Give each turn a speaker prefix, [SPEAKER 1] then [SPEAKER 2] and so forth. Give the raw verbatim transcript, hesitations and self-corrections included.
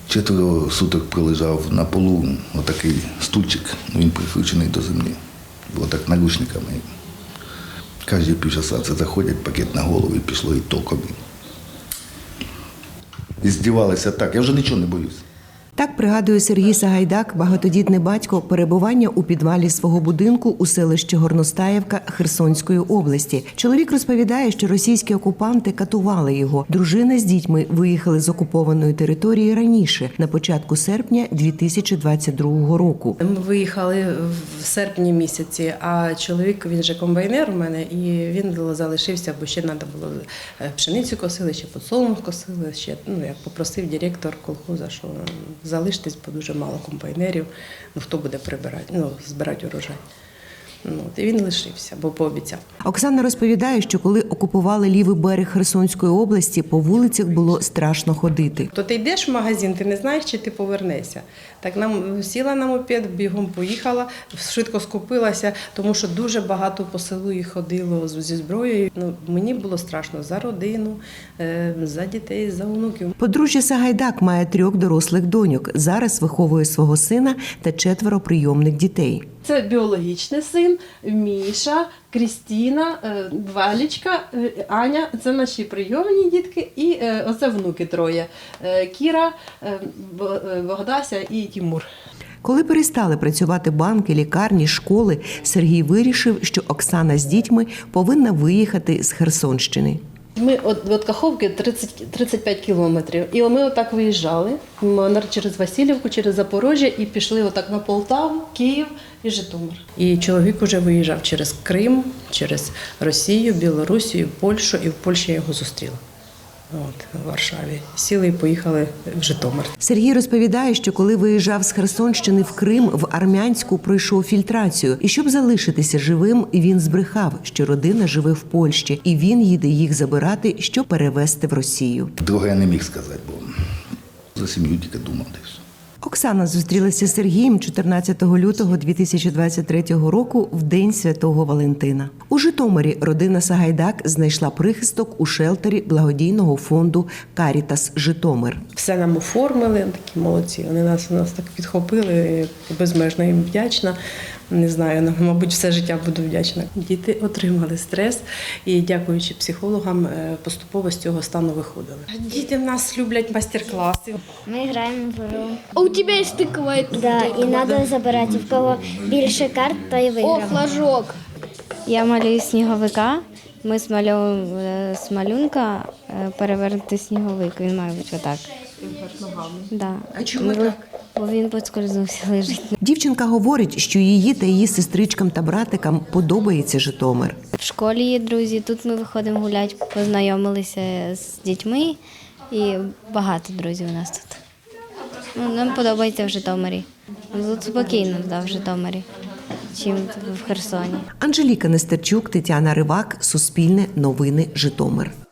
[SPEAKER 1] Четверо суток пролежав на полу, отакий стульчик, він прикручений до землі. Було так наручниками. Кожні півчаса це заходять, пакет на голову і пішло і током. І здівалися так, я вже нічого не боюсь.
[SPEAKER 2] Так пригадує Сергій Сагайдак, багатодітний батько, перебування у підвалі свого будинку у селищі Горностаївка Херсонської області. Чоловік розповідає, що російські окупанти катували його. Дружина з дітьми виїхали з окупованої території раніше, на початку серпня дві тисячі двадцять другого року.
[SPEAKER 3] Ми виїхали в серпні місяці, а чоловік, він же комбайнер у мене, і він залишився, бо ще треба було пшеницю косили, ще подсолнух косили, ще, ну, як попросив директор колхоза, що залиштесь, бо дуже мало комбайнерів, ну хто буде прибирати, ну, збирати урожай. Ну, і він лишився, бо пообіцяв.
[SPEAKER 2] Оксана розповідає, що коли окупували лівий берег Херсонської області, по вулицях було страшно ходити.
[SPEAKER 3] То ти йдеш в магазин, ти не знаєш, чи ти повернешся. Так нам сіла на мопед, бігом поїхала, швидко скупилася, тому що дуже багато по селу їх ходило зі зброєю. Ну, мені було страшно за родину, за дітей, за онуків.
[SPEAKER 2] Подружжя Сагайдак має трьох дорослих доньок. Зараз виховує свого сина та четверо прийомних дітей.
[SPEAKER 4] Це біологічний син, Міша, Крістіна, Валічка, Аня. Це наші прийомні дітки і оце внуки троє. Кіра, Богдася і Тимур.
[SPEAKER 2] Коли перестали працювати банки, лікарні, школи, Сергій вирішив, що Оксана з дітьми повинна виїхати з Херсонщини.
[SPEAKER 4] Ми від, від Каховки тридцять, тридцять п'ять кілометрів. І ми отак виїжджали через Васильівку, через Запорожжя і пішли отак на Полтаву, Київ і Житомир.
[SPEAKER 3] І чоловік уже виїжджав через Крим, через Росію, Білорусію, Польщу, і в Польщі я його зустріла. От, в Варшаві. Сіли і поїхали в Житомир.
[SPEAKER 2] Сергій розповідає, що коли виїжджав з Херсонщини в Крим, в Армянську пройшов фільтрацію. І щоб залишитися живим, він збрехав, що родина живе в Польщі, і він їде їх забирати, щоб перевезти в Росію.
[SPEAKER 1] Друге я не міг сказати, бо за сім'ю тільки думав десь.
[SPEAKER 2] Оксана зустрілася з Сергієм чотирнадцятого лютого дві тисячі двадцять третього року в День Святого Валентина. У Житомирі родина Сагайдак знайшла прихисток у шелтері благодійного фонду «Карітас Житомир».
[SPEAKER 3] Все нам оформили, такі молодці. Вони нас, нас так підхопили, безмежно їм вдячна. Не знаю, мабуть, все життя буду вдячна. Діти отримали стрес і, дякуючи психологам, поступово з цього стану виходили. Діти в нас люблять майстер-класи.
[SPEAKER 5] Ми граємо в гру.
[SPEAKER 6] А у тебе є стикова?
[SPEAKER 5] Да, і треба забирати. В кого більше карт, то і
[SPEAKER 6] О,
[SPEAKER 5] виграв.
[SPEAKER 6] флажок.
[SPEAKER 7] Я малюю сніговика. Ми змальовуємо з малюнка перевернути сніговик. Він має бути отак. Да.
[SPEAKER 3] А чому так?
[SPEAKER 7] Бо він поскользнувся, лежить.
[SPEAKER 2] Дівчинка говорить, що її та її сестричкам та братикам подобається Житомир.
[SPEAKER 7] В школі є друзі, тут ми виходимо гуляти, познайомилися з дітьми і багато друзів у нас тут. Ну, нам подобається в Житомирі. Тут спокійно, да, в Житомирі, чим в Херсоні.
[SPEAKER 2] Анжеліка Нестерчук, Тетяна Ривак, Суспільне новини, Житомир.